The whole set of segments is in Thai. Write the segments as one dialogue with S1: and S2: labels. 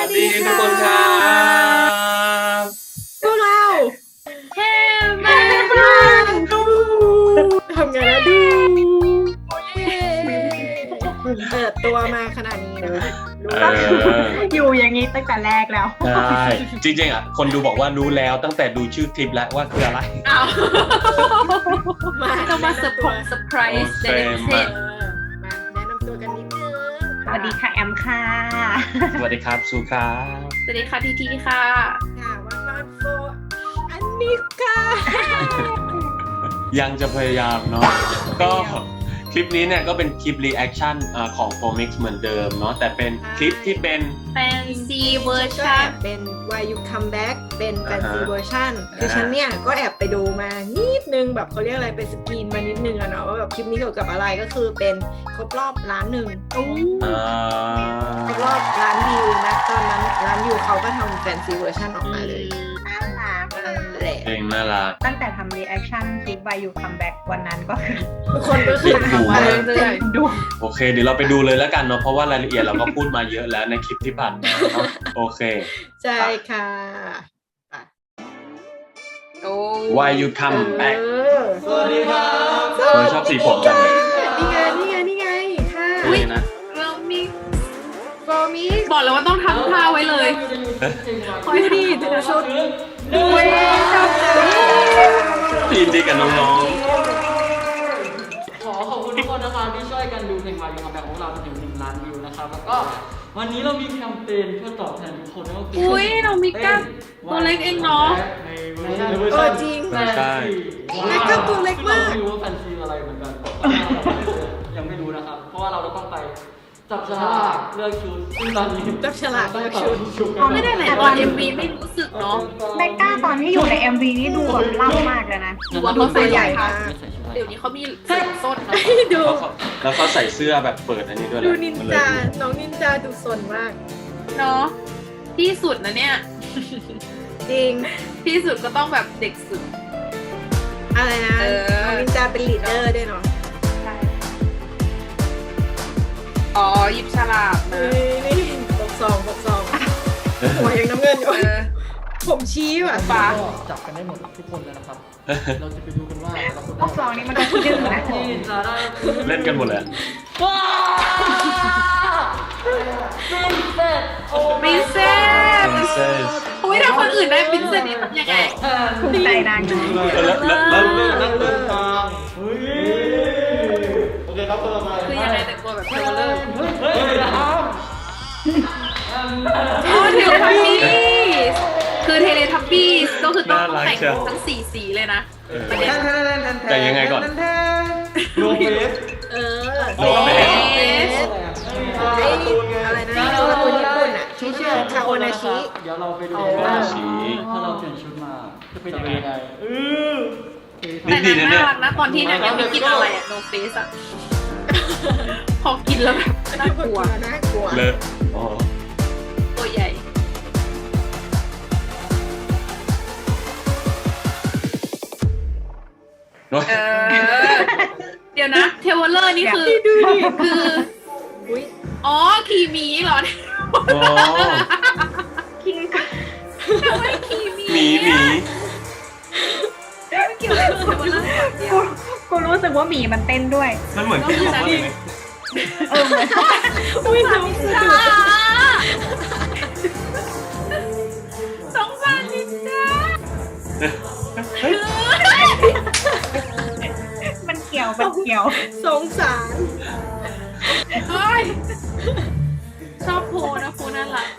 S1: ดีทุกคนครับ
S2: พวกเรา
S3: เฮ้แม่
S2: ทำไงนะดูเปิดตัวมาขนาดนี้นะคะรู้
S3: อยู่อย่างนี้ตั้งแต่แรกแล้ว
S1: ใช่จริงๆอ่ะคนดูบอกว่ารู้แล้วตั้งแต่ดูชื่อคลิปแล้วว่าคืออะไร
S3: อ้าว
S2: มา
S3: ต้องมาเซอร์ไพรส์ในพิเศษ
S2: มาแนะนำตัวกันนิดนึง
S3: สวัสดีค่ะแอมค่ะ
S1: สวัสดีครับซูครับ
S3: สวัสดีค่ะทีทีค่ะ
S2: ค่ะวันนอนโฟอันนี้ค่ะ
S1: ยังจะพยายามเนาะก็คลิปนี้เนี่ยก็เป็นคลิปรีแอคชั่นของ Formix เหมือนเดิมเนาะแต่เป็นคลิปที่เป็น
S3: แฟนซีเวอร์
S2: ก็
S3: ชั
S2: แอน บเป็น Why You Come Back เป็นแฟนซี
S1: อ่าฮะ
S2: เวอร์ชันคือฉันเนี่ยก็แอบไปดูมานิดนึงแบบเขาเรียกอะไรเป็นสกรีนมานิดนึงอะเนาะว่าแบบคลิปนี้เกี่ยวกับอะไรก็คือเป็นครบรอบ1 ล้านครบรอบ1 ล้านวิวนะตอนนั้น1 ล้านวิวเขาก็ทำแฟนซีเวอร์ชันออกมาเลย
S3: น่ารัก
S2: นั่นแหละ
S1: เพลงน่ารัก
S3: ตั้งแต่ทำรีแอคชั่นคลิป Why You Come Back วันนั้นก็คือ
S2: ทุกคนก็คือ
S1: ดู
S2: ทำมา
S1: มา
S2: เรื่อย
S3: ดู
S1: โอเคเดี๋ยวเราไปดูเลยแล้วกันเนาะเพราะว่ารายละเอียดเราก็พูดมาเยอะแล้วในคลิปที่ผ่านมาเนาะโอเค
S2: ๆใช่ค่ะ
S3: โอ้
S1: Why You Come Back
S2: สวัสดีครับ
S1: ชอบสีผมจังเลย
S2: นี่ไงค่ะ
S1: อุ๊ยนะ
S3: เรามี
S2: โฟมิ
S3: บอกเลยว่าต้องทำท่าไว้เลย
S2: ดูดิดูชุดดูชอบจัง
S1: ยินดีกับน้อง
S4: ขอขอบคุณทุกคนนะครับที่ช่วยกันดูเพลงวายยูคัมแบ็กของเราจนถึง1 ล้านวิวนะครับแล้วก็วันนี้เรามีแคมเปญเพื่อตอบแทนทุกคนนั่นก็คื
S3: อุ๊ยน้องมิก้าตัวเล็กเองเนาะ
S4: ในเวอร์ชัน
S2: จริง
S4: แฟนซี
S2: มิก้าตัวเล็กมาก
S4: ซึ่งเราไม่รู้ว่าแฟนซีอะไรเหมือนกันยังไม่รู้นะครับ เพราะว่าเราต้องไปจับฉลากเลือกชุดซึ่งตอนนี้
S2: จับฉลากเลือกชุด
S4: กัน
S3: ไม่ได้ไหนตอน MV ไม่รู้สึกเนาะ
S5: เบกก้าตอนที่อยู่ใน MV นี่ดูแบบล่ำมากเลยนะ
S3: ดูว่าเขาใส่ใหญ่
S2: มาก
S3: เดี๋ยวนี้เขามีเสื้อส้นนะ
S2: ดู
S1: ๆแล้วเขาใส่เสื้อแบบเปิดอันนี้ด้วย
S2: ดูนินจา น้องนินจาดูสนมาก
S3: เนาะที่สุดนะเนี่ย
S2: จริง
S3: ที่สุดก็ต้องแบบเด็กสุด
S2: อะไรนะ
S3: เออ
S2: น้องนินจาเป็นลีดเดอร์ด้วยเนาะ
S3: อ๋อหยิบฉลากนะ
S2: นี่ปกซองหัวยังน้ำเงินอยู่
S3: เออ
S2: ผมชี้ว่ะ
S3: ฟ้า
S4: ก็จับกันได้หมดทุกคนเลยนะครับ เราจะไปดูกันว่าเราคน
S5: พวกเรานี่มันต้องดื้อนะ
S4: ที่จะได้
S1: เล่นกันหมดเลย
S4: ว้าวปรินเซส
S3: ปรินเซส
S1: Princess
S3: อุ้ยถ้าคนอื่นได้ปรินเซสนี่ทำยังไง
S5: ภูมิใจนาง
S1: แล้ว
S4: นั่งเดินทางเฮ้ยโอเคครับคนละไป
S3: คือยังไงแต่งตัวแบบเทเลอร์
S4: เฮ้ยนะครับ
S3: อ๋อเทเลทับบี้คือเทเลทับบี้ก็คือต้องแต่งทั้ง4 สีเลยนะ
S1: เออ
S3: ประเด็น
S1: แต่ยังไงก่อน
S4: โนเฟส
S2: เออ
S1: โลเฟส
S2: ไอ้อะไรนะตัวการ์ตูนญี่ปุ่นอ่ะที่ชื่อคาโอนาชิ
S4: เดี๋ยวเราไปดู
S1: คาโอนาชิ
S4: ถ้าเราเปลี่ยนชุดมาจะเป็นยังไงอ
S3: แต่นางน่ารักนะตอนที่นางยังไม่กินอะไรอะโนเฟสอะพอกินแล้วแบบน่ากลัว
S2: น่ากลัว
S1: เลอะอ๋อ
S3: ตัวใหญ่
S1: โน้ย
S3: เออ เดี๋ยวนะเทวเลอร์นี่คือคือ
S2: อุ้ย
S3: อ๋อคีมีเหรอ
S1: อ๋อ
S5: คิงก็
S3: ทำไมคีมี
S1: หมี
S3: ไม่เกี่ยวกับเทวเลอร์อย่างเดียว
S5: กูรู้สึกว่าหมีมันเต้นด้วย
S1: มันเหมือนที่เขาว่าเลย
S5: เออเหมือน
S2: อุ้ยน้องสะ
S3: จ้า
S2: ดุด
S3: สงสารนินจา
S5: มันเกี่ยวมันเกี่ยว
S2: สงสาร
S3: เฮ้ยชอบโพนะโพน่ารัก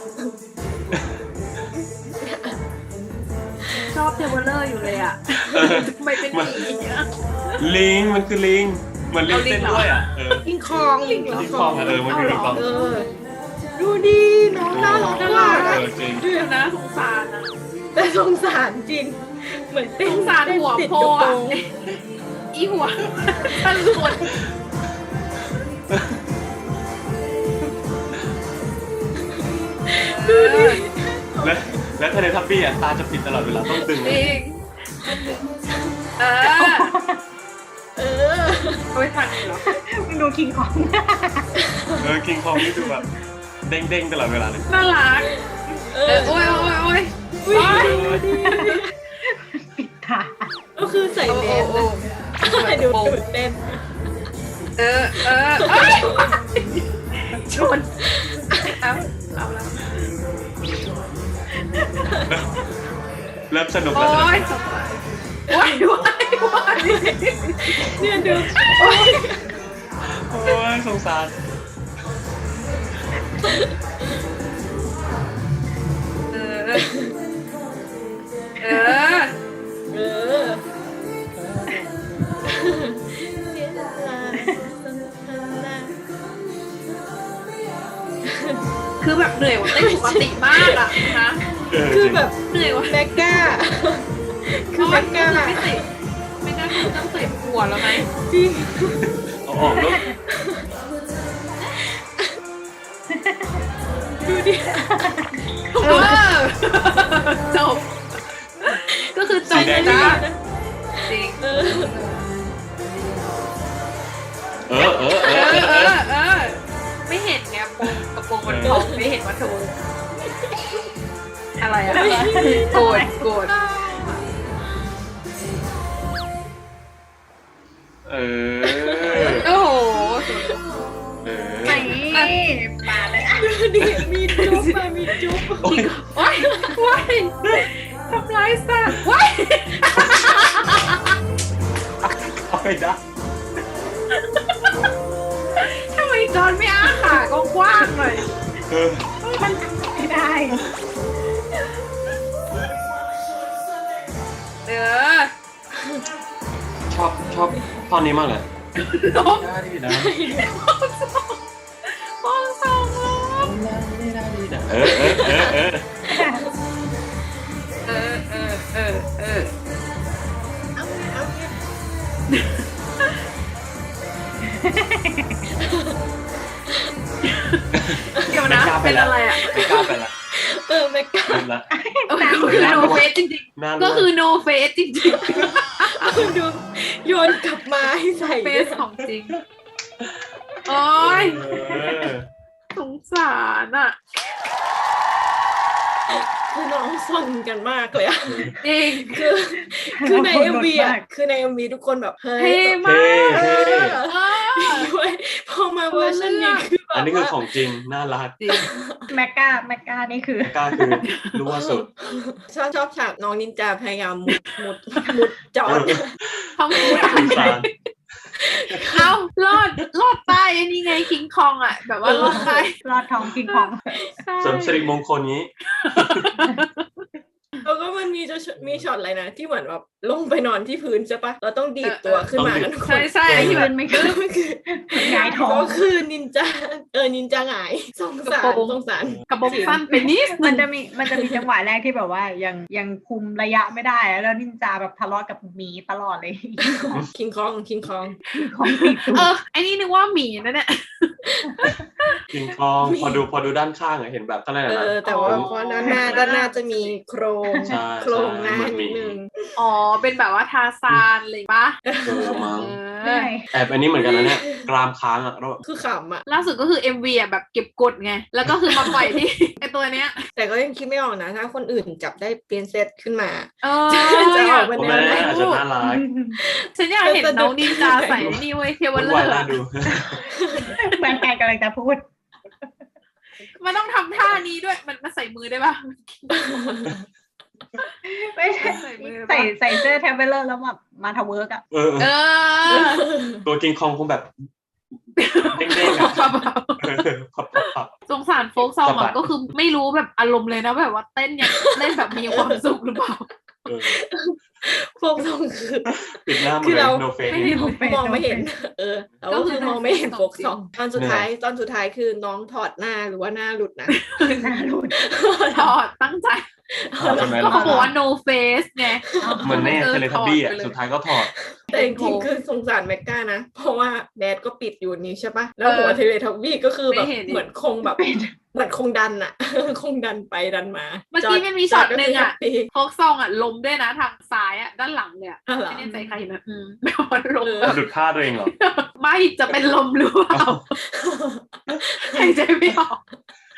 S3: ชอบเทวเลอร์อยู่เลยอ่ะทำไมเป็นอย่างนี้อะ
S1: ลิงมันคือลิงเหมือนลิงเต้นด้วยอ่ะเออ
S2: ลิงคองลิง
S1: ลิงคองอะมันคือลิงคอง
S2: เออดูดีน้องน่ารักมาก
S1: เอ
S2: อะ
S1: อจริง
S3: เดี๋ยวนะสงสารนะ
S2: แต่สงสารจริง เหมือนเต้
S3: ส
S2: น
S3: งสารหัว
S2: ติด
S3: โพ
S2: กระโปร
S3: อ่ะ
S2: ง
S3: อีหัวตันหลุด
S2: ดูดิ
S1: และเทเลทับบี้อ่ะตาจะปิดตลอดเวลาต้องดึง
S3: จริงเออ
S2: เออ
S3: เอาไปทางนี้เหรอ
S5: มึงดูคิงของ
S1: คิงคองนี่ดูแบบเด้งๆตลอดเวลาเลย
S3: น่ารักโอ้ยโอ้ยโอ้ย
S2: อุ๊ย
S5: ปิดตา
S2: ก็คือใส่เดนนะดูเต้น
S3: เอ้ยชนเอาแล้ว
S1: เริ่มสนุก
S3: โอ้
S1: แล้ว
S3: ยว้าย
S2: เนี่ยดู
S1: โอ้ยสงสาร
S3: เออ
S2: เออ
S3: คือแบบเหนื่อยกว่าเต้นปกติมากอะนะ
S2: คือแบบ
S3: เหนื่อยกว่า
S2: แมกก้า คือแมกก้า
S3: ไม่ใส่ไม่ได้ต้องใส่หัวแล้วไหม
S2: จริง
S1: เอาออกแล้ว
S2: ดูดิ
S3: จบก็คือจ
S1: สี
S3: บ
S1: แดง
S3: นะ
S1: นี่
S3: จริง
S2: เออ
S3: ไม่เห็นไงกระโปรงมันพองไม่เห็นว่าเธออะไรอะโกรธ
S1: เออ
S3: โอ้โห
S1: เออ
S5: ไหนปาเลย
S2: ดูดิมีจุ๊บอะมีจุ๊บ
S1: โอ้ย
S3: ว้ายทำร้ายสัตว์ว้าย
S1: เอาไปได้
S3: ทำไมจอนไม่อ้าขากว้างๆหน่อย
S1: เออ
S5: มันไม่ได้
S3: เออ
S1: ชอบตอนนี้มากเลย
S3: นก
S1: ได้ดีนะ
S3: มองสองล้อ
S1: เออ
S2: เอาไงเอาไง
S3: เดี๋ยวนะเป็นอะไรอ่ะ
S1: ไม่กล้าไปละ
S2: แมกก้า
S1: เริ่มละ
S3: คือ no face จริง
S1: น่า
S3: ๆก็คือ no face จริง
S2: ดูโยนกลับมาให้ใส่
S3: ๆ face ของจริง โอ้ย
S1: เออ
S3: สงสารอ่ะ
S2: คือน้องซนกันมากเลยอะ
S3: จริง
S2: คือใน MV อะคือใน MV ทุกคนแบบเฮ้ย
S3: เท่มาก
S1: เท่
S2: ด้วยพอมาเวอร์ชันนี้คือแบบ
S1: อันนี้คือ
S2: ว่า
S1: ของจริงน่ารัก
S3: จริง
S5: แมกก้านี่คือ
S1: กล้าคือรู้ว่าสุด
S2: ชอบฉากน้องนินจาพยายามมุดจอด
S3: ทำกู
S1: สงสาร
S3: เอารอดใต้อันนี้ไงคิงคองอ่ะ แบบว่ารอดใต้
S5: รอดท้องกินของ
S1: เสริมสิริมงคลนี้
S2: แล้วก็มันมีช็อตอะไรนะที่เหมือนแบบลงไปนอนที่พื้นใช่ปะเราต้องดีดตัวขึ้นมากันทุกคน
S3: ใช่ที่แบบ
S5: ไม่ขึ้น
S2: ก็คือ
S5: หงายท้อง
S2: ก็คือนินจานินจาหงายสงสาร
S3: กระบอกสั้นไปนิดนึ
S5: มัน
S3: ง
S5: จะมีจังหวะแรกที่แบบว่ายังคุมระยะไม่ได้แล้วนินจาแบบทะเลาะกับหมีตลอดเลย
S2: คิงคอง
S5: ของติดตัว
S3: ไอ้นี่นึกว่าหมีนะเนี่ย
S1: กิงคองพอดูด้านข้างอะเห็นแบบอะไรนะ
S2: แต่ว่าเพราะด้านหน้าจะมีโครง
S1: ใช่
S2: โครงหน้า
S1: ใช่
S2: นิดนึง
S3: อ๋อ เป็นแบบว่าทาซานเลยปะ
S1: เออมั้ง
S5: เหนื่อย
S1: แอบอันนี้เหมือนกันนะเนี่ยกรามค้างอะแล้ว
S2: คือขำอ่ะ
S3: ล่าสุดก็คือ MV อ่ะแบบเก็บกดไง แล้วก็คือมาปล่อยที่ ไอตัวเนี้ย
S2: แต่ก็ยังคิดไม่ออกนะ ถ้าคนอื่นจับได้เปลี่ยนเซตขึ้นมา
S3: เอ
S2: จะออก
S3: อ
S2: มา
S1: โอ้
S2: แน
S1: แม่
S2: วไหน
S1: อาจจะน่ารัก
S3: ฉันอยากเห็นน้องนินจาใส่นี่เว้ยเทเว
S1: วุ่
S3: ล
S1: น
S3: เลอ
S1: วาย
S3: ร์
S1: น่าดู
S5: เหมือนกันกำลังจะพูด
S3: มันต้องทำท่านี้ด้วย มันใส่มือได้ปะ
S5: ไม่ใช่
S3: ใส่มือ
S5: ใส่เสื้อแทมเบลเลอร์แล้วแบบมาทาวเวิร์กอะ
S1: เออ
S3: เออ
S1: ตัวกิงคองคงแบบเด้งๆอะพับ
S3: สงสารโฟกซอง
S1: สะบั
S3: อ่ะ
S1: ด
S3: ก็คือไม่รู้แบบอารมณ์เลยนะแบบว่าเต้นอย่างเล่นแบบมีความสุขหรือเปล่า
S1: เออ
S2: พวกต้องคือ
S1: ปิดหน้าหมด
S2: คือ
S1: เลย
S2: เรา
S1: no face
S3: ไม่ได้
S2: มองไม่เห็น แต่ว่าคือมองไม่เห็นโฟกซองตอนสุดท้ายคือน้องถอดหน้าหรือว่าหน้าหลุดนะ
S5: หน้ารุด
S3: ถอดตั้งใจ
S1: ถอดใช่ไหม
S3: ก็
S1: ล่ะ
S3: เขาบอกว่า no face ไง
S1: เหมือนแน่เทเลทับบี้อ่ะ
S3: ถอดไปเลย
S1: สุดท้ายก็ถอด
S2: แต่จริงๆคือสงสารแมกก้านะ เพราะว่าแดดก็ปิดอยู่นี้ใช่ปะแล้วหัวเทเลทับบี้ก็คือแบบ
S3: ไม่เห็น
S2: เหมือนคงแบบเหมือนคงดันอะ คงดันไปดันมา
S3: เมื่อกี้มันมีช็อตหนึ่งอะ
S2: จดก็คือ
S3: โฟกซองอ่ะล้มด้วยนะทางซ้ายอ่ะด้านหลังเลยอ่ะ
S2: อ๋อเหรอ
S3: ไม่แน่ใจใครนะแบบว่าล้ม
S1: หลุดท่าตัวเองเหรอ
S3: ไม่จะเป็นลมหรือเปล่าหายใจไม่ออก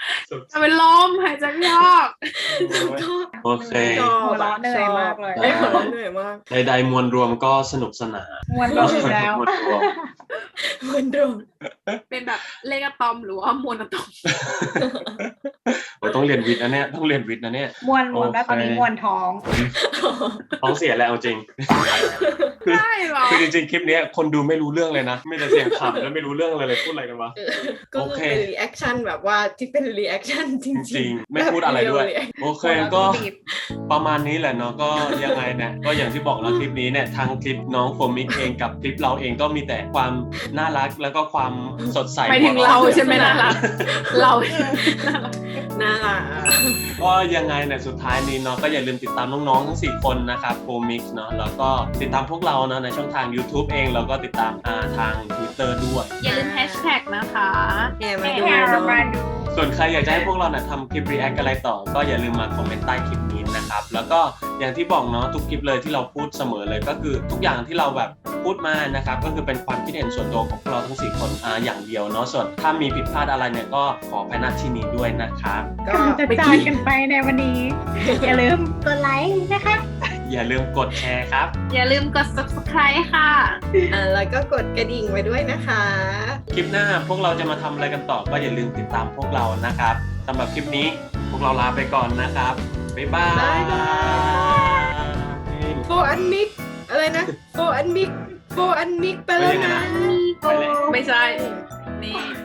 S3: จะเป็นลมหายใจไม่ออก
S1: โอเค
S5: หัวเราะเหนื่อยมากเลย
S2: ได้หัวเราะเหนื่อยมาก
S1: ใดๆมวลรวมก็สนุกสนาน
S5: มวนเราอยู่แล้ว
S1: มวลรวม
S2: เหมือนเดิม
S3: เป็นแบบเลขอะตอมหรือว่ามวลอะตอม
S1: โอ้ยต้องเรียนวิทย์นะเนี่ยต้องเรียนวิทย์นะเนี่ย
S5: มวนแล้วตอนนี้มวนท้อง
S1: ท้องเสียแล้วเอาจริง
S3: ได้เหรอ
S1: คือจริงๆคลิปเนี้ยคนดูไม่รู้เรื่องเลยนะไม่แต่เสียงขำแล้วไม่รู้เรื่องอะไรเลยพูดอะไรกันวะ
S2: ก็คือเป็นรีแอคชั่นแบบว่าที่เป็นรีแอคชั่นจริง
S1: จริงๆไม่พูดอะไรด้วย โอเคก็ประมาณนี้แหละเนาะก็ยังไงเนี่ยก็อย่างที่บอกแล้วคลิปนี้เนี่ยทางคลิปน้องโฟมิกเองกับคลิปเราเองก็มีแต่ความน่ารักแล้วก็ความสดใส
S3: หมายถึงเราใช่ไหมน่ารักเรา
S2: น่ารัก
S1: ก็ยังไงเนี่ยสุดท้ายนี้เนาะก็อย่าลืมติดตามน้องๆทั้ง4คนนะครับโฟมิกเนาะแล้วก็ติดตามพวกเราเนาะในช่องทาง YouTube เองแล้วก็ติดตามทาง Twitter ด้วย
S3: อย่าลืมแฮชแท็กนะคะ
S2: แอบมาดู
S5: แค่
S2: เนาะ
S5: มาดู
S1: ส่วนใครอยากจะให้พวกเราเนี่ยทำคลิป react อะไรต่อ ก็อย่าลืมมาคอมเมนต์ใต้คลิปนี้นะครับ แล้วก็อย่างที่บอกเนาะทุกคลิปเลยที่เราพูดเสมอเลยก็คือทุกอย่างที่เราแบบพูดมานะครับก็คือเป็นความคิดเห็นส่วนตัวของพวกเราทั้ง4คนอย่างเดียวเนาะส่วนถ้ามีผิดพลาดอะไรเนี่ยก็ขออภัยณที่นี้ด้วยนะครับ
S2: ก็
S5: ก่อนจะจากกันไปในวันนี้ อย่าลืมกดไลค์นะคะ
S1: อย่าลืมกดแชร์ครับ
S3: อย่าลืมกด subscribe ค่ะ
S2: แล้วก็กดกระดิ่งไว้ด้วยนะคะ
S1: คลิปหน้าพวกเราจะมาทำอะไรกันต่อก็อย่าลืมติดตามพวกเรานะครับสำหรับคลิปนี้พวกเราลาไปก่อนนะครับบ๊ายบาย
S2: บ๊ายบาย โฟอันมิกอะไรนะโฟอันมิกไปแล้วนะ
S1: ไปแล้ว
S3: ไม่ใช่ นี่